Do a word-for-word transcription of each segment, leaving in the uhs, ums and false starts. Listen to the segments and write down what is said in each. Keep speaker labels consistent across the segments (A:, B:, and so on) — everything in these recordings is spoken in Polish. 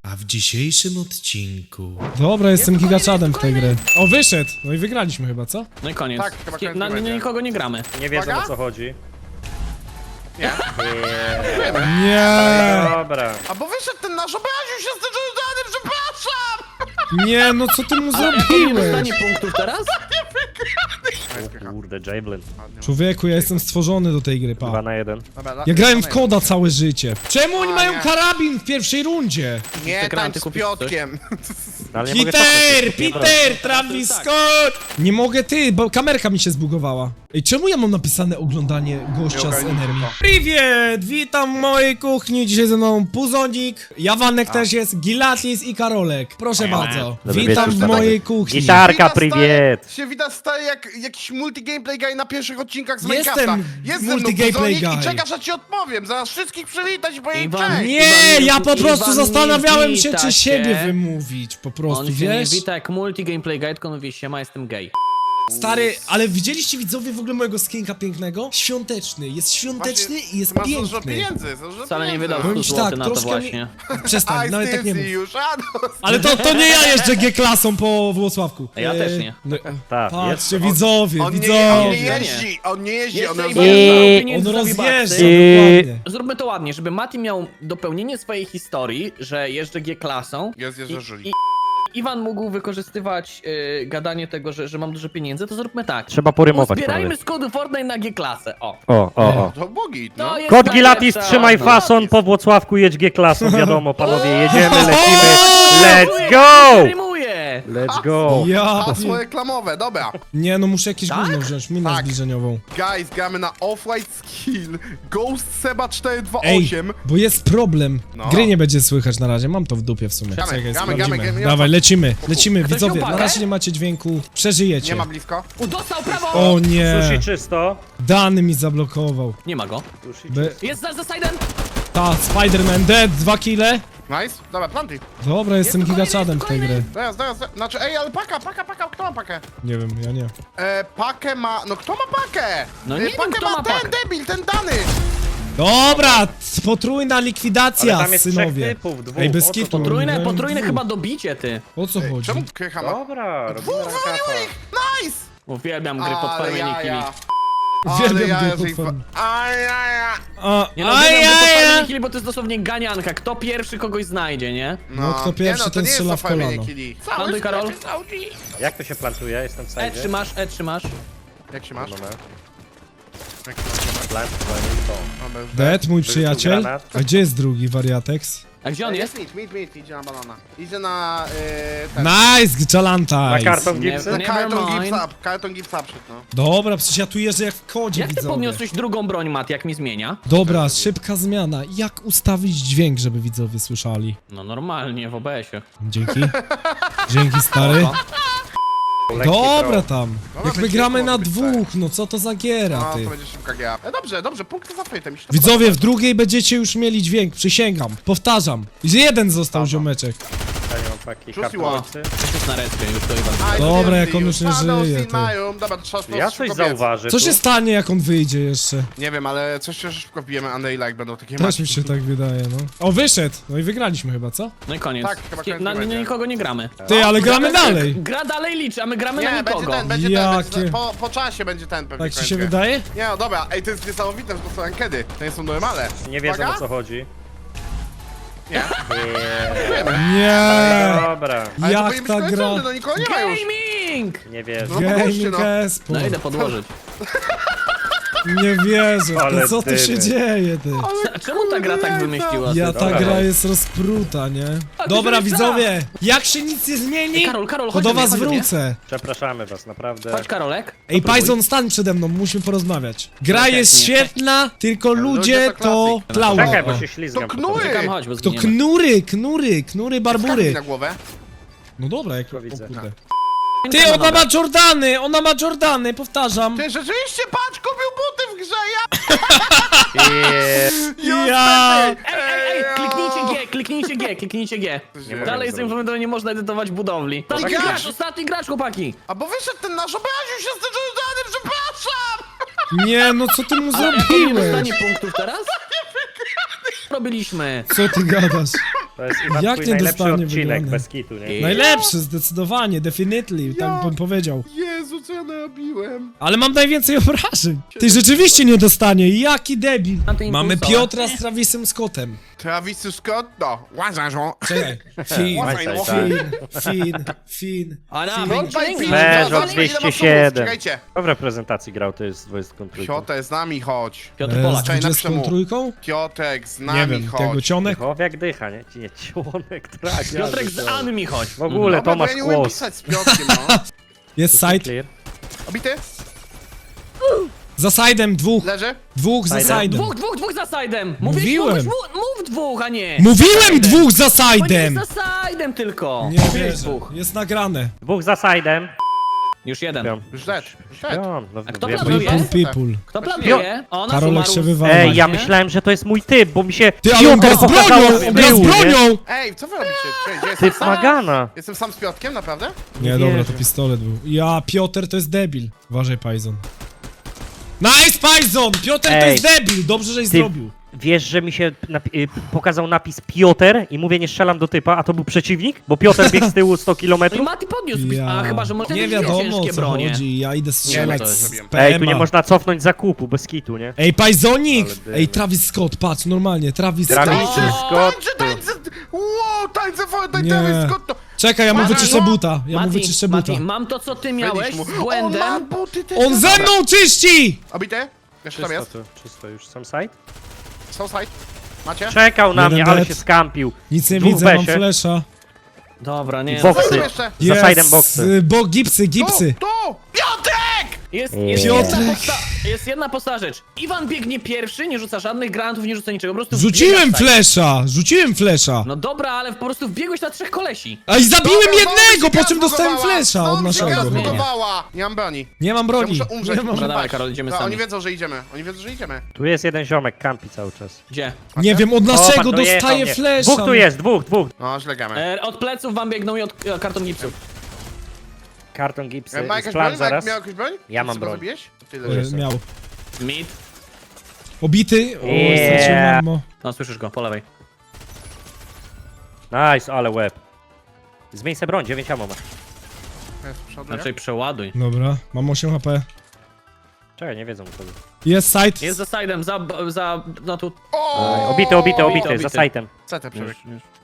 A: A w dzisiejszym odcinku...
B: Dobra, jestem gigaczadem w tej gry. O, wyszedł! No i wygraliśmy chyba, co?
C: No i koniec.
D: Tak, chyba koniec
C: na,
D: nie będzie.
C: nikogo nie gramy.
E: Nie wiedzą
D: Uwaga.
E: o co chodzi.
D: Nie.
B: Nie!
E: Dobra.
D: A bo wyszedł ten nasz, obraził się z tym żądaniem, przepraszam!
B: Nie, no co ty mu
C: Ale jak
B: zrobiłeś?
C: dostanie punktów teraz?
E: O kurde, Javelin.
B: Człowieku, ja jestem stworzony do tej gry,
E: Dwa
B: pa.
E: na jeden.
D: Dobra,
B: Ja grałem w
D: dalej.
B: koda całe życie. Czemu oni
D: A,
B: mają
D: nie.
B: karabin w pierwszej rundzie?
D: Nie
C: Te granaty
D: tańcz z
C: kupić coś?
D: Piotkiem.
E: No, ale nie mogę
B: Peter!
E: cofnąć, nie
B: Peter! Travis
C: Tak.
B: Scott! Nie mogę ty, bo kamerka mi się zbugowała. Ej, czemu ja mam napisane oglądanie gościa z
D: ogarnijcie
B: Enermi?
D: to.
B: Priwiet! Witam w mojej kuchni. Dzisiaj ze mną Puzonik, Jawanek też jest, Gilatis i Karolek. Proszę bardzo.
E: Dobry
B: Witam
E: wieczór,
B: w
E: stary.
B: mojej kuchni.
E: Gitarka,
D: Widać
E: priwiet!
D: stary- Się widać stary jak jakiś multi-gameplay guy na pierwszych odcinkach z
B: Jestem
D: Minecrafta. Jest ze mną
B: multi-gameplay
D: Puzonik
B: guy.
D: i czekasz, aż ci odpowiem. Zaraz wszystkich przywitać i powiedzieć
C: Iwan,
D: cześć.
B: Nie,
C: Iwan,
B: ja po
C: Iwan
B: prostu
C: nie
B: zastanawiałem się,
C: wita
B: czy siebie
C: się.
B: wymówić. Po prostu,
C: On się
B: wiesz?
C: nie wita jak multi-gameplay guide, tylko mówi siema, jestem gay.
B: Stary, ale widzieliście widzowie w ogóle mojego skinka pięknego? Świąteczny, jest świąteczny
D: Właśnie
B: i jest
D: Masz dużo
B: piękny.
D: pieniędzy, dużo
C: Wcale nie
D: pieniędzy.
C: wydał
B: Powiem
C: stu
B: ci tak,
C: złotych na to
B: troszkę mi-
C: właśnie.
B: Przestań,
D: I
B: nawet tak nie mów.
D: still see you shadows.
B: Ale to, to nie ja jeżdżę G-klasą po Włocławku.
C: Ja
B: E,
C: też nie.
B: No,
E: Tak,
B: patrzcie,
E: jest.
B: widzowie,
D: On nie, on
B: widzowie.
D: nie jeździ, on nie jeździ, on
C: Jeszcze
D: roz...
C: Iwan
E: I-
C: zdobył
B: On
C: pieniędzy za
B: rozjeżdża,
C: wibaksy.
E: I-
B: dokładnie.
C: Zróbmy to ładnie, żeby Mati miał dopełnienie swojej historii, że jeżdżę G-klasą.
D: Jest, jest,
C: I-
D: że żyli.
C: i- Iwan mógł wykorzystywać y, gadanie tego, że, że mam dużo pieniędzy, to zróbmy tak.
E: Trzeba porymować,
C: Zbierajmy
E: panowie.
C: z kodu Fortnite na G-klasę, o.
E: O, o, o.
D: To bogi,
C: To
D: no.
C: jest
E: Kod Gilatis,
C: najlepsza-
E: trzymaj
C: no.
E: fason, po Włocławku jedź G-klasą, wiadomo, panowie, jedziemy, lecimy. Let's go!
C: Rymuję!
E: Let's go!
B: Ja...
D: Hasło reklamowe, dobra.
B: Nie, no muszę jakieś
C: Tak?
B: gówno wziąć, minę
D: Tak.
B: zbliżeniową.
D: Guys, gramy na Off-White Skill Ghost Seba cztery dwa
B: Ej,
D: osiem.
B: bo jest problem.
D: No.
B: Gry nie będzie słychać na razie, mam to w dupie w sumie.
D: Gramy,
B: Czekaj,
D: gramy,
B: sprawdzimy.
D: gramy, gramy.
B: Dawaj, lecimy, lecimy,
C: Ktoś
B: widzowie,
C: upadł?
B: na razie nie macie dźwięku, przeżyjecie.
D: Nie ma blisko.
C: U, dostał prawo!
B: O nie,
E: Sushi czysto.
B: Dany mi zablokował.
C: Nie ma go.
E: Sushi
B: Be...
C: Jest za, za side'em!
B: Ta, Spider-Man dead, dwa kile.
D: Nice, dobra, planty.
B: Dobra, jestem
C: tu
B: gigaczadem w tej
C: kolejny,
B: gry.
C: jest
D: Zaraz, zaraz, zaraz. Znaczy, ej, ale paka, paka, paka, kto ma pakę?
B: Nie wiem, ja nie.
D: E, pakę ma, no kto ma pakę?
C: No
D: E,
C: nie wiem,
D: pakę
C: kto ma
D: ten
C: pakę.
D: debil, ten Dany.
B: Dobra, potrójna likwidacja,
E: Ale tam jest trzech
B: synowie.
E: typów, dwóch.
B: Ej, bez
E: O co
B: kitu.
C: Potrójne,
B: no,
C: potrójne
B: dwóch.
C: chyba dobicie, ty.
B: O co chodzi?
D: Czemu krycha ma?
E: Dobra, robimy
D: Dwóch wywaliło
E: rankapa.
D: ich, nice!
C: Uwielbiam gry pod
D: Ale
C: farmieniem
D: ja,
C: killi.
D: ja.
B: Uwielbiam
D: Ale ja,
B: gry
D: ja,
B: pod
D: ja,
B: farm-
D: Aj, aj, aj.
B: A,
C: Nie no, uwielbiam
B: aj,
C: gry pod
B: aj,
C: farmieniem
B: aj.
C: killi, bo to jest dosłownie ganianka. Kto pierwszy kogoś znajdzie, nie?
B: No, kto pierwszy,
D: nie, no, to
B: ten
D: nie jest
B: strzela
D: to
B: w kolano.
D: farmienie killi. Cały
C: Plantuj, Karol.
D: sklep jest Audi.
E: Jak to się plantuje? Jestem w
C: E
E: sajdzie.
C: trzymasz, E trzymasz.
D: Jak się masz?
E: Moment.
D: Jak się masz?
E: Plant, plant, to.
D: Dobra, już
B: Dead, mój
E: tu
B: przyjaciel.
E: granat.
B: A gdzie jest drugi wariatex?
C: A gdzie on
D: Jest
C: jest?
D: mit, mit, mit, idzie na banana. Idzie na... Yy, ten.
B: Nice,
E: Na
B: Chalantaj.
E: karton
C: Nie-
E: gipsy?
C: nie-
D: Na karton
C: Never
D: gips
C: mind.
D: up, karton gips up szedł, no.
B: Dobra, przecież ja tu jeżdżę jak w kodzie,
C: Jak ty
B: widzowie.
C: podniosłeś drugą broń, Mat, jak mi zmienia?
B: Dobra, szybka zmiana. Jak ustawić dźwięk, żeby widzowie słyszeli?
C: No normalnie, w O B S-ie.
B: Dzięki. Dzięki, stary.
E: Lekki
B: Dobra
E: throw.
B: tam.
D: Dobra,
B: Jak my
D: będzie
B: gramy
D: może
B: na
D: być
B: dwóch, no co to za giera,
D: No,
B: ty?
D: to będzie szybka gra. E, dobrze, dobrze, punkty za frytem. mi się to
B: Widzowie, w drugiej będziecie już mieli dźwięk, przysięgam. Powtarzam. Że jeden został ziomeczek.
E: Ja nie mam paki.
D: Rzuciło.
E: Karton gipsy.
C: Jesteś na respie już, to Iwan.
D: podoba. I
B: Dobra,
D: see
B: jak on
D: you.
B: już nie
D: Shadows
B: żyje,
D: in
B: ty.
D: my room. Dobra, to trzeba to
E: Ja coś
D: szybko biec.
E: zauważę
B: Co
E: tu.
B: się stanie, jak on wyjdzie jeszcze?
D: Nie wiem, ale coś się szybko wbijemy, a Neila, jak będą takie
B: Też
D: maczki.
B: mi się tak wydaje, no. O, wyszedł. No i wygraliśmy chyba, co?
C: No i koniec.
D: Tak, chyba koniec
C: na,
D: nie będzie.
C: na nikogo nie gramy.
B: Ty, ale gramy dalej.
C: Gra dalej liczy, a my gramy na
D: Nie, będzie
C: nikogo.
D: ten, będzie ten, będzie
B: Jakie-
D: ten. Po, po czasie będzie ten pewnie
B: Tak ci
D: koniec
B: się
D: gry.
B: wydaje?
D: Nie no dobra, ej, to jest niesamowite, że to są ankiety. To nie są normale.
E: Nie wiedzą
D: Uwaga.
E: o co chodzi.
D: Nie.
B: Nie.
E: Dobra,
D: Ale to
B: Jak
D: powinien być
B: ta
D: koniec
B: gra?
D: rundy, no nikogo nie ma już.
C: Gaming!
E: nie wierzę.
D: No podłóżcie,
B: Gaming
D: no.
B: Esport.
C: No idę podłożyć.
B: Nie wierzę.
E: Ale
B: To co tu się
E: dymy.
B: dzieje, ty?
C: A czemu ta gra tak wymyśliła?
B: Ja
C: ty?
B: ta
E: Dobra.
B: gra jest rozpruta, nie?
C: A ty
B: Dobra,
C: wymyślała.
B: widzowie, jak się nic nie zmieni,
C: Ej, Karol, Karol,
B: to
C: chodź
B: do
C: do mnie,
B: was
C: chodź do mnie.
B: wrócę.
E: Przepraszamy was, naprawdę.
C: Chodź, Karolek.
B: Ej,
C: Popróbuj.
B: Pajzon, stań przede mną, musimy porozmawiać. Gra
C: Okej,
B: jest
C: nie.
B: świetna, tylko ludzie
D: ludzie to
B: to
D: klasyk.
B: klauny.
E: Czekaj, bo
B: O.
E: się ślizgam.
D: To
E: po
D: knury.
E: tobie.
C: Czekam, chodź, bo
B: To
C: zginiemy.
B: knury, knury, knury, barbury.
D: Skarbi na głowę.
B: No dobra, jak...
E: Tylko widzę.
B: O kurde.
C: No
B: Ty, ona
C: dobra.
B: ma Jordany, ona ma Jordany, powtarzam.
D: Ty rzeczywiście, patrz, kupił buty w grze, ja...
E: I...
B: Ja...
C: Ej, ej, ej, kliknijcie G, kliknijcie G, kliknijcie G.
D: Nie mogę
C: Dalej z tym momentem nie można edytować budowli. Ostatni
D: tak
C: gracz,
D: jest.
C: ostatni gracz, chłopaki.
D: A bo wyszedł ten nasz, obraził się z tym żądaniem, przepraszam!
B: Nie, no co ty mu
C: Ale jak on nie
B: zrobiłeś?
C: dostanie punktów teraz? Robiliśmy.
B: Co ty gadasz?
E: To jest Iwan
B: Jak
E: twój
B: nie
E: najlepszy
B: dostanie
E: odcinek,
B: wygrany?
E: bez kitu, nie?
B: Najlepszy, zdecydowanie, definitely, tak
D: Ja.
B: bym powiedział.
D: Jezu, co ja narobiłem?
B: Ale mam najwięcej obrażeń. Ty rzeczywiście nie dostanie, jaki debil.
C: Mam te
B: Mamy
C: impulsowe.
B: Piotra z Travisem Scottem.
D: Travis Scott, no, łazarzo.
B: Czekaj. Fin,
D: Łazaj, no.
B: fin, fin, fin.
C: A na,
B: fin.
C: bądź piękny.
E: Mężo
D: Zobacz, ile ma
E: dwieście
D: subów,
E: siedem.
D: Czekajcie.
E: Kto w reprezentacji grał, to jest dwudziestką trójką.
D: Piotrek, z nami chodź.
C: Piotr
B: E,
C: Polak.
B: Z
D: Czekaj,
B: dwudziestką
D: napiszę mu.
B: trójką?
D: Piotrek, z
B: Nie
D: nami
B: wiem, tego
D: chodź.
B: cionek?
E: Chowiak dycha, nie? Ci nie, członek, trak.
C: Piotrek z Anmi chodź.
E: W ogóle
D: Dobra, bo
E: Tomasz
D: ja nie umiem
E: Kłos.
D: pisać z Piotrkiem, no.
B: Jest side.
E: Clear.
D: Obity?
B: Za side'em dwóch.
D: Leży?
B: Dwóch za
E: Side'em.
B: side'em.
C: Dwóch, dwóch, dwóch za side'em.
B: Mówiłem.
C: Mówisz, mów, mów dwóch, a nie.
B: Mówiłem dwóch za
C: To nie jest
B: side'em!
C: za side'em tylko.
B: Nie
C: Mówiłeś
B: wierzę.
C: dwóch.
B: Jest nagrane.
E: Dwóch za side'em.
C: Już jeden.
E: Śpią.
D: Już dead, już dead.
E: Śpią. No,
C: A kto
E: wiem,
C: planuje?
E: że-
B: People, people.
C: Kto planuje? Ona
B: Karolek się wywala.
E: Ej, ja
C: Nie?
E: myślałem, że to jest mój typ, bo mi się
B: Ty, ale on gra z
E: pokazało
B: bronią!
E: z
B: On gra z
E: tyłu, nie?
B: bronią!
D: Ej, co wy robicie? Czekaj, gdzie jestem
E: Typ
D: sam?
E: Magana.
D: Jestem sam z Piotrkiem, naprawdę?
B: Nie,
E: Nie
B: dobra,
E: wierzę.
B: to pistolet był. Ja, Piotr to jest debil. Uważaj, Pajzon. Nice, Pajzon! Piotr to
E: Ej.
B: jest debil! Dobrze, żeś
E: Ty-
B: zrobił.
E: Wiesz, że mi się napi- y, pokazał napis Piotr i mówię, nie strzelam do typa, a to był przeciwnik? Bo Piotr biegł z tyłu sto
C: No i
E: kilometrów.
C: Mati podniósł.
B: Ja.
C: A chyba, że może
B: Nie
C: wtedy
B: wiadomo,
C: ciężkie
B: o co
C: bronie.
B: chodzi. Ja idę strzelać
D: to
B: z
D: zrobiłem.
E: Ej, tu nie
B: P M A.
E: można cofnąć zakupu, bez kitu, nie?
B: Ej, Pajzonik!
E: Ale dymy.
B: Ej, Travis Scott, patrz, normalnie, Travis
E: Travis
B: Scott.
E: Scott.
D: Tańce, tańce! Wow, tańce, tańce,
B: Nie.
D: Travis Scott to...
B: Czekaj, ja mu
D: Mati,
B: wyczyszczę
D: no.
B: buta. Ja mu
C: Mati,
B: wyczyszczę buta.
C: Mati, mam to, co ty miałeś
D: Wyliś mu.
C: z
D: O, ma
C: błędem.
D: buty też.
B: On ze mną czyści!
D: Obity? Jeszcze tam
E: Czysto
D: jest?
E: tu, czysto już. Sam side?
D: Są side. Macie?
E: Czekał na
B: Jeden
E: mnie, ale
B: dead.
E: się skampił.
B: Nic nie
E: Dwóch
B: widzę, mam
E: besie.
B: flesza.
C: Dobra, nie.
E: Boksy.
D: Co jeszcze?
E: Za side'em boksy.
B: y, bo gipsy, gipsy.
D: Tu, tu! Piotrek!
C: Jest,
E: Nie.
C: jest, jedna
B: Piotrek.
C: posta jest jedna prosta rzecz. Iwan biegnie pierwszy, nie rzuca żadnych granatów, nie rzuca niczego, po prostu
B: Rzuciłem
C: wbiegasz tak.
B: flesza, rzuciłem flesza.
C: No dobra, ale po prostu wbiegłeś na trzech kolesi.
B: A i zabiłem
D: Dobra,
B: jednego,
D: znowu się
B: po czym
D: gra
B: dostałem
D: zbudowała.
B: flesza od
D: Znowu się gra
B: naszego.
C: zmienia.
D: zbudowała. Nie mam broni.
B: Nie mam
D: Ja
B: broni.
D: muszę umrzeć,
B: Nie, mam...
D: muszę
C: Dobra, dawaj,
D: paść.
C: Karol, idziemy
D: No,
C: sami.
D: oni wiedzą, że idziemy. Oni wiedzą, że idziemy.
E: Tu jest jeden ziomek, kampi cały czas.
C: Gdzie?
B: nie wiem, od
E: O,
B: naszego
E: patrz, dojechał
B: dostaję
E: mnie.
B: flesza.
E: Dwóch tu jest, dwóch, dwóch.
D: No, źle gramy.
C: E, od pleców wam biegną i od e, karton gipsów.
E: Karton gipsy,
D: E, Ma jakaś
E: plan
D: broń?
E: zaraz.
D: Miał jakąś broń?
E: Ja mam
D: Co go
E: broń.
D: zabiłeś? Ty
B: E,
D: leżysz.
B: Miał.
C: Mid.
B: Obity. O,
E: Yeah.
B: straciłem ammo.
C: No, słyszysz go, po lewej.
E: Nice, ale łeb. Zmień se broń, dziewięć ammo ma.
D: Jest, przodu,
C: Znaczy przeładuj.
B: Dobra, mam osiem H P.
E: Czekaj, nie wiedzą co.
B: Jest side.
C: Jest za side'em, za, za, no tu.
D: O!
E: Obity, obity, obity,
C: obity.
E: za sajtem.
D: C T przebieg.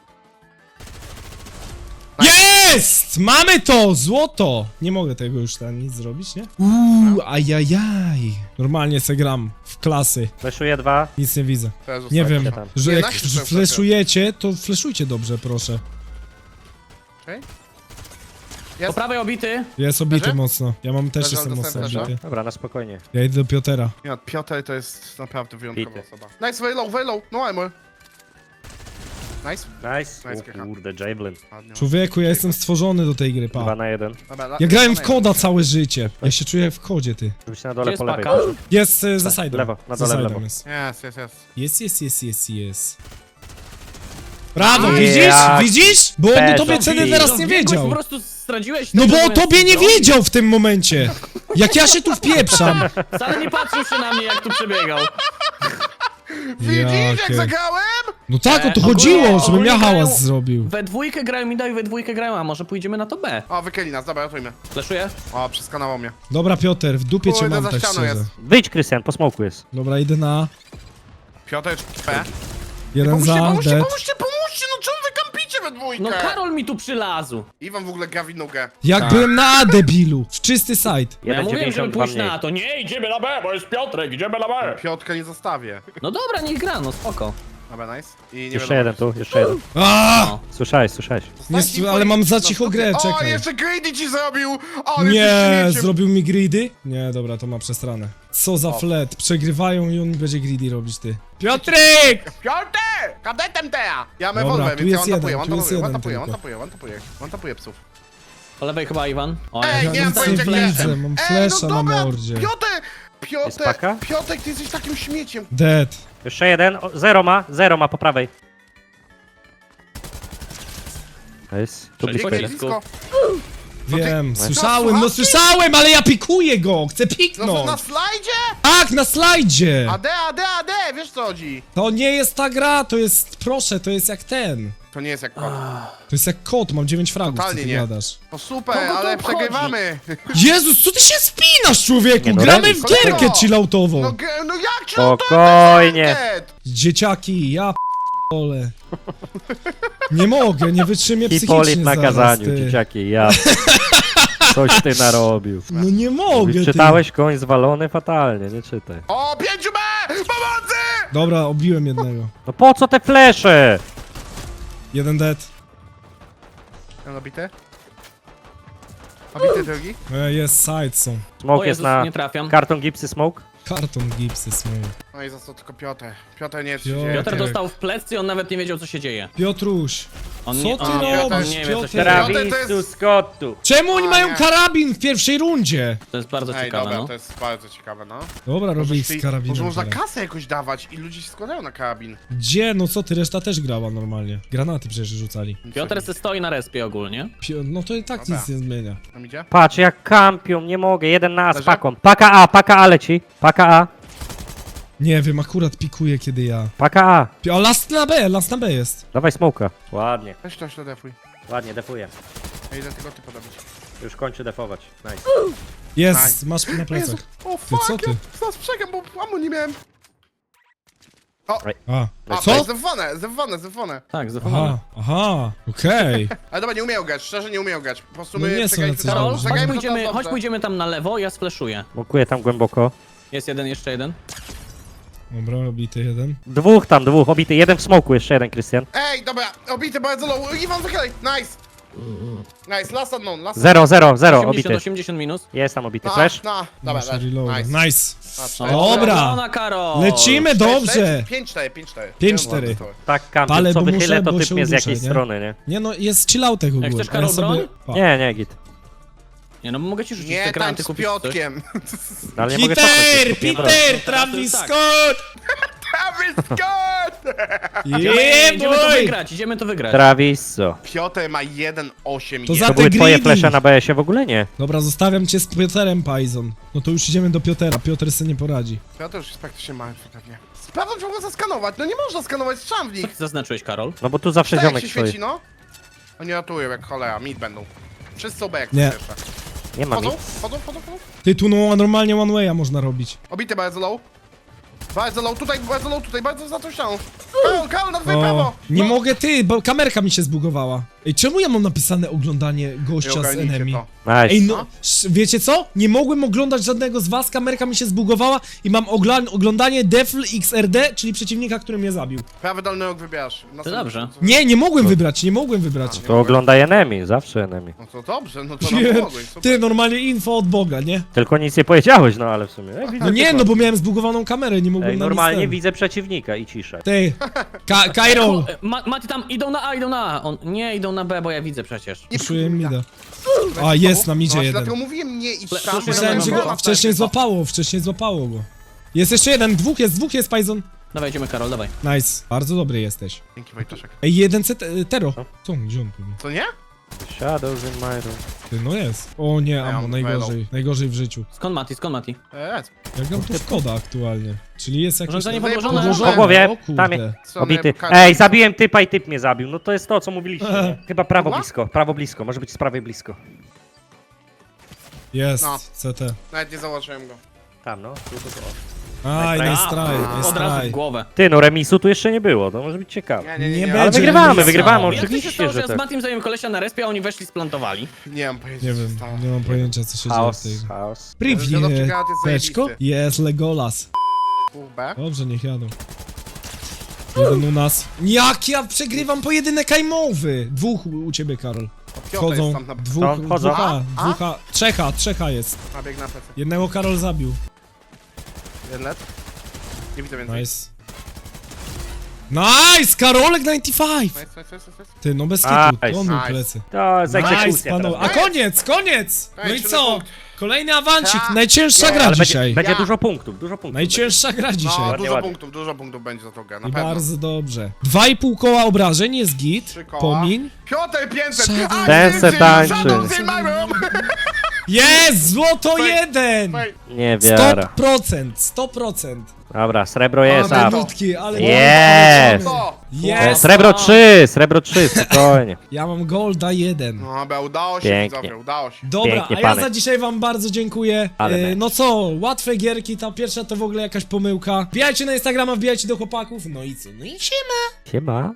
B: Jest! Mamy to! Złoto! Nie mogę tego już tam nic zrobić, nie? Uuu, ajajaj. Normalnie se gram w klasy.
E: Fleszuję dwa.
B: Nic nie widzę.
D: Teraz
B: Nie
D: zostawię.
B: wiem,
E: tam.
B: że
D: Nie,
B: jak
D: nasi są
B: fleszujecie, to fleszujcie dobrze, proszę.
D: Okej.
C: Po
D: Jest.
C: prawej obity.
B: Jest obity
D: Leży?
B: mocno. Ja mam też
D: Leży,
B: jestem
D: ale
B: mocno
D: dostałem
B: obity.
E: Dobra, na spokojnie.
B: Ja idę do Piotera.
D: Nie, Piotr to jest naprawdę wyjątkowa
E: Bity.
D: osoba. Nice, very low, very low. No armor. Nice.
E: Nice.
D: Nice,
E: O
D: Kiecha.
E: kurde, Javelin.
D: Ładnie.
B: Człowieku, ja jestem stworzony do tej gry,
E: Dwa
B: pa.
E: na jeden.
D: Dobra, la-
B: Ja grałem w
D: la-
B: koda całe życie. Ja się czuję jak w kodzie, ty.
E: Żeby się na
C: Gdzie
E: dole
C: jest
E: po lewej.
C: paka?
B: Jest e, za side'em.
E: Lewo, na
B: Za
E: dole w
B: side'em
E: lewo.
B: jest.
D: Jest, jest, jest.
B: Jest, jest, jest, jest, jest. Brawo,
E: Jak
B: widzisz? Widzisz? Bo on o
E: Peżo.
B: tobie ceny
E: Wi-
B: teraz nie
C: Biegłeś,
B: wiedział.
C: Po prostu straciłeś.
B: No
C: to,
B: bo
C: że
B: o tobie nie
C: broń.
B: wiedział w tym momencie. Jak ja się tu wpieprzam.
C: Wcale nie patrzył się na mnie, jak tu przebiegał.
D: Widzisz, jak
B: Jakie-
D: zagrałem?
B: No tak, o to
C: E,
B: chodziło,
C: ogólnie-
B: żebym ja
C: ogólnie
B: hałas
C: grają-
B: zrobił.
C: We dwójkę grają Mida i we dwójkę grają, a może pójdziemy na to B.
D: O, wykyli nas, dobra, ratujmy.
C: Fleszuję?
D: O, przeskanował mnie.
B: Dobra, Piotr, w dupie cię
D: Kurde,
B: mam
D: za
B: tak
D: ścianą
B: szczerze.
D: jest.
E: Wyjdź, Krystian, po smoku jest.
B: Dobra, idę na
D: Piotr, P.
B: jeden
D: Pomóżcie,
B: za,
D: pomóżcie,
B: dead.
D: pomóżcie, pomóżcie, no czemu wy kampicie we dwójkę?
C: No Karol mi tu przylazł.
D: Iwan w ogóle gra w inną grę.
B: Jak byłem na A, debilu. W czysty side.
C: Ja
E: Jeden
C: mówiłem, żeby
E: dziewięćdziesiąt dwa
C: pójść
E: mniej.
C: na to. Nie, idziemy na B, bo jest Piotrek, idziemy na B.
D: Piotrka nie zostawię.
C: No dobra, niech gra, no spoko.
D: Dobra, nice. I nie
E: Jeszcze
D: wiadomo.
E: jeden tu, jeszcze jeden.
B: A!
C: No.
E: Słyszałeś, słyszałeś.
B: Nie,
D: Zostańcie
B: ale
D: ich-
B: mam za
D: no,
B: cicho
D: no,
B: grę,
D: O,
B: czekaj.
D: jeszcze greedy ci zrobił! O, ale
B: Nie,
D: jesteś śmieciem.
B: zrobił mi greedy? Nie, dobra, to ma przestranę. Co za
D: O.
B: flet, przegrywają i on będzie greedy robić, ty. Piotrek!
D: Piotr! Kadetemtea! Ja mam
B: Dobra,
D: wolwę,
B: tu
D: więc ja
B: jest
D: on tapuję,
B: jeden,
D: on
B: tu jest
D: tapuję, on
B: jeden
D: tapuję, on
B: tylko.
D: tapuję, on tapuję, on tapuje psów.
C: Po lewej chyba Iwan. O,
D: Ej,
C: ja
D: nie mam
B: nic
D: pojęcia
B: nie
D: gdzie.
B: widzę, mam
D: Ej,
B: flesza
D: no
B: na
D: dobra,
B: mordzie.
D: Piotr!
E: Jest
D: Piotr!
E: paka?
D: Piotrek, ty jesteś takim śmieciem.
B: Dead.
E: Jeszcze jeden, o, zero ma, zero ma po prawej. Nice. Tu
C: Przejdź
E: blisko
C: po
E: jest.
C: blisko.
B: Wiem,
D: Co,
B: słyszałem, no
D: słuchawki?
B: słyszałem, ale ja pikuję go, chcę
D: No,
B: piknąć.
D: na slajdzie?
B: Tak, na slajdzie.
D: A D, A D, A D, wiesz co? co chodzi?
B: To nie jest ta gra, to jest, proszę, to jest jak ten.
D: To nie jest jak kot.
B: To jest jak kot, mam dziewięć fragów, co
D: Totalnie
B: ty
D: nie.
B: gadasz.
D: No super,
C: Kogo to
D: ale
C: obchodzi?
D: przegrywamy.
B: Jezus, co ty się spinasz, człowieku?
E: Nie, no
B: Gramy
E: remis.
B: w gierkę
D: Kolego!
B: chilloutową.
D: No, ge- no jak ci
E: Spokojnie.
B: Dzieciaki, ja p***ole. Nie mogę, nie wytrzymię
E: Hipolit
B: psychicznie
E: na
B: zaraz,
E: kazaniu,
B: ty.
E: dzieciaki, ja. Coś ty narobił.
B: No nie mogę, ty.
E: Czytałeś koń zwalony fatalnie, nie czytaj.
D: O, pięciu B! Pomocy!
B: Dobra, obiłem jednego.
E: No po co te flesze?
B: Jeden dead.
D: Mam nabity? Nabity drugi?
B: E, jest side są.
E: Smoke
C: O
E: jest
C: Jezus,
E: na
C: nie trafiam.
E: karton gipsy smoke.
B: Karton gipsy smoke.
D: No i za to tylko Piotr. Piotr nie jest
B: Piotr.
D: dzieje.
C: Piotr
B: Tak.
C: dostał w plecy i on nawet nie wiedział, co się dzieje.
B: Piotruś,
C: On
B: co
C: nie,
B: ty
C: on nie,
D: robisz,
C: on nie wie, co się
B: Piotr?
C: dzieje.
D: Piotr, to
E: Travisu
D: jest-
E: Scottu.
B: czemu oni
D: A,
B: mają
D: nie.
B: karabin w pierwszej rundzie?
C: To jest bardzo
D: Ej,
C: ciekawe,
D: dobra,
C: no.
D: to jest bardzo ciekawe, no.
B: Dobra, robię ich
D: Może
B: z karabinem
D: Może można
B: teraz.
D: kasę jakoś dawać i ludzie się składają na karabin.
B: Gdzie? No co ty, reszta też grała normalnie. Granaty przecież rzucali.
C: Piotr se stoi na respie ogólnie.
B: Pio- No to i tak
D: Dobra.
B: nic nie zmienia.
D: Tam idzie?
E: Patrz jak kampią, nie mogę, jeden na A z
D: Leży?
E: paką. Paka A, paka A leci. Paka A,
B: Nie wiem, akurat pikuje kiedy ja.
E: paka A.
B: Pi- A last na B, last na B jest.
E: Dawaj smoka. Ładnie,
D: Weź to, to defuj.
E: ładnie, defuję.
D: Ja idę tego typa dobić.
E: Już kończy defować. Nice.
B: Jest, masz na
D: Jezu,
B: plecach.
D: o
B: Ty,
D: fuck,
B: co ty?
D: ja zaraz przegam, bo amu nie miałem.
B: A,
D: A, to
B: co?
D: jest zewane, zewane, zewane.
C: Tak, zapomniałem.
B: Aha, aha, okej.
D: Ale dobra, nie umieją grać, szczerze nie umieją grać. Po prostu
B: No
D: my
B: nie są
D: przegraliśmy
B: jacyś
D: to.
C: Karol,
B: dobrze.
C: chodź
D: Zagrajmy to
C: pójdziemy,
D: teraz
C: chodź
D: dobrze.
C: pójdziemy tam na lewo, ja sfleszuję.
E: Mokuję tam głęboko.
C: Jest jeden, jeszcze jeden.
B: Dobra, obity jeden.
E: Dwóch tam, dwóch, obity. Jeden w smoku, jeszcze jeden, Krystian.
D: Ej, dobra, obity bardzo low. Iwan, wychylaj, nice. Nice, last unknown, last
E: Zero, zero, zero,
C: osiemdziesiąt,
E: obity.
C: osiemdziesiąt minus.
E: Jest tam obity.
D: No,
E: Flash?
D: no, dobra,
B: Muszę
D: dobra,
B: reloada.
D: nice.
B: Nice.
D: A,
B: Dobra.
C: Ona, Karol!
B: Lecimy dobrze.
D: pięć cztery, pięć cztery.
B: pięć cztery.
E: Tak, kampią.
B: Palę,
E: Co
B: bo
E: wychylę,
B: muszę,
E: to
B: bo
E: typ
B: się
E: mnie z
B: uduszę,
E: jakiejś
B: nie?
E: strony, nie?
B: Nie no, jest chilloutek ogólnie.
C: chcesz, Karol, broń?
B: Pa.
E: Nie, nie, git.
C: Nie no, mogę ci rzucić
D: Nie
C: te
D: tańcz
C: granty,
D: z
C: kupić coś.
D: Piotkiem.
E: No, ale nie mogę cofnąć,
B: Peter,
E: już kupiłem broń.
B: Peter,
C: Teraz to
B: Travis
C: jest tak.
B: Scott!
D: Travis Scott!
C: Idziemy,
B: Yeah,
C: idziemy to
B: boy!
C: wygrać, idziemy to wygrać.
E: Traviso.
D: Piotr ma jeden osiem.
B: To
D: i
B: za
E: To
B: te
E: były twoje
B: greedy.
E: flesze na B S-ie w ogóle? Nie.
B: Dobra, zostawiam cię z Piotrem, Pajzon. No to już idziemy do Piotera, Piotr sobie nie poradzi.
D: Piotr już jest praktycznie martwy pewnie. Sprawdzam, czy mogę zaskanować. No nie można skanować strzał w
C: Co
D: nich.
C: ty zaznaczyłeś, Karol?
E: No bo tu zawsze
D: Tak jak
E: ziomek
D: się
E: stoi.
D: świeci, no. Oni ratują jak cholera, mid będą. Wszyscy są B jak
B: Nie.
D: pierwsze.
E: Nie ma mi.
D: Chodzą, chodzą, chodzą, chodzą.
B: Ty, tu no, normalnie one way'a można robić.
D: Obity bardzo low. Bardzo low, tutaj, bardzo low, tutaj, bardzo za tą ścianą. Karol, Karol, na twoje prawo!
B: O, nie
D: No.
B: mogę, ty, bo kamerka mi się zbugowała. Ej, czemu ja mam napisane oglądanie
D: Nie
B: gościa z
D: ogarnijcie
B: enemy?
D: to.
E: Nice.
B: Ej, no, sz- wiecie co? Nie mogłem oglądać żadnego z was, kamerka mi się zbugowała i mam ogla- oglądanie Defl X R D, czyli przeciwnika, który mnie zabił.
D: Prawy dolny róg wybierasz.
C: To dobrze.
B: Nie, nie mogłem wybrać, nie mogłem wybrać.
E: To oglądaj enemy, zawsze enemy.
D: No to dobrze, no to nam
B: Ty,
D: pomogłeś, super.
B: ty, normalnie info od Boga, nie?
E: Tylko nic nie powiedziałeś, no ale w sumie. Ej, widzę
B: No nie,
E: typa.
B: no bo miałem zbugowaną kamerę, nie mogłem
E: Ej,
B: na nic
E: normalnie
B: ten.
E: widzę przeciwnika i ciszę.
B: Ty, Ka Kairol,
C: E, Ma Mati tam, idą na A, idą na A. On, nie, idą na B, bo ja widzę przecież.
D: Nie
B: puszuję mida.
D: Weź
B: A,
D: z
B: jest
D: tobą.
B: na midzie
D: no,
B: jeden.
D: Dlatego mówiłem nie idź
C: Ple-
D: tam.
C: słyszałem,
B: Myślałem, że
C: no,
B: go wcześniej złapało, wcześniej złapało go. Jest jeszcze jeden, dwóch jest, dwóch jest, Pajzon.
C: Dawaj, idziemy, Karol, dawaj.
B: Nice, bardzo dobry jesteś.
D: Dzięki Wojtaszek.
B: Ej, jeden C T, Tero. Co on, gdzie on tu był?
D: Co nie?
E: Shadows in my room.
B: Ty, no jest. O nie,
D: Ja
B: amo,
D: mam
B: najgorzej, najgorzej w życiu.
C: Skąd Mati, skąd Mati?
D: Eee,
B: Jak nam tu szkoda aktualnie? Czyli jest jakieś...
C: Urządzenie
D: Zajebał
C: podłożone.
D: podłożone.
E: Po głowie,
B: O kurde.
E: tam jest.
D: strony
E: Obity.
D: pokażę.
E: Ej, zabiłem typa i typ mnie zabił. No to jest to, co mówiliście. nie? Chyba prawo
D: Dobra?
E: blisko, prawo blisko. Może być z prawej blisko.
B: Jest,
D: No.
B: C T.
D: Nawet nie założyłem go.
E: Tam, no. Tu, tu, tu.
B: Aj,
E: A,
B: nice try, nice
C: Od razu w
B: try.
C: głowę.
E: Ty, no remisu tu jeszcze nie było, to może być ciekawe.
D: Nie, nie, nie.
B: Nie
D: Nie,
B: będzie.
E: Ale wygrywamy,
B: remisu.
E: wygrywamy,
C: Jak to się
E: oczywiście,
C: stało, że
E: że
C: ja z
E: tak.
C: Matim zająłem kolesia na respie, a oni weszli, splantowali?
D: nie mam pojęcia,
B: Nie
D: co się
B: wiem,
D: stało.
B: nie mam pojęcia co się dzieje w
E: Chaos,
B: tej...
E: chaos.
B: Privnie,
D: Wiadomczy granat jest
B: teczko?
D: zajebisty.
B: Jest Legolas.
D: Pół B.
B: Dobrze, niech jadą. Jeden u nas. Jak ja przegrywam pojedynek ajmowy! Dwóch u u ciebie, Karol.
D: O, Piotr
B: Wchodzą,
D: jest tam na...
B: dwóch,
E: Tam wchodzą.
B: dwóch A,
D: A?
B: dwóch A, trzech A, trzech A jest.
D: A, bieg na plecy.
B: Jednego Karol zabił.
D: Jeden let. Nie widzę więcej.
B: Nice. Nice! Karolek dziewięćdziesiąt pięć!
D: Nice, nice, nice, nice.
B: Ty, no bez kitu,
E: Nice,
B: on miał
D: nice.
B: plecy.
E: To jest
B: Nice,
E: egzekucja
B: panowie.
E: teraz.
B: A koniec, koniec! No i
D: Nice,
B: co?
D: punkt.
B: Kolejny awancik,
D: Ja.
B: najcięższa
D: Ja.
B: gra
E: Ale
B: dzisiaj.
E: będzie, będzie
D: Ja.
E: dużo punktów, dużo punktów.
B: Najcięższa gra
D: No,
B: dzisiaj.
E: Ładnie,
D: dużo
E: ładnie.
D: punktów, dużo punktów będzie za tą grę, na
B: I
D: pewno.
B: bardzo dobrze. Dwa i pół koła obrażeń jest git.
D: Trzy koła.
B: Pomiń.
D: Piotr pięćset!
B: Shadow-
D: A,
E: Ten se
D: ty,
E: tańczy.
D: Shadows in my room!
B: Jest! Złoto
D: Fej.
B: jeden!
D: Fej.
E: Nie
B: sto
E: biorę.
B: procent, sto procent.
E: Dobra, srebro jest,
B: Ale
E: a.
B: brudki, ale...
E: Jest!
D: To!
E: E,
B: Jest!
E: srebro trzy, srebro trzy, spokojnie.
B: Ja mam golda jeden.
D: No, ale udało się,
E: Pięknie.
D: widzowie, udało się.
B: Dobra,
E: Pięknie,
B: a ja
E: pany.
B: za dzisiaj wam bardzo dziękuję.
E: Ale
B: E,
E: mecz.
B: no co, łatwe gierki, ta pierwsza to w ogóle jakaś pomyłka. Wbijajcie na Instagrama, wbijajcie do chłopaków, no i co? No i siema!
E: Siema.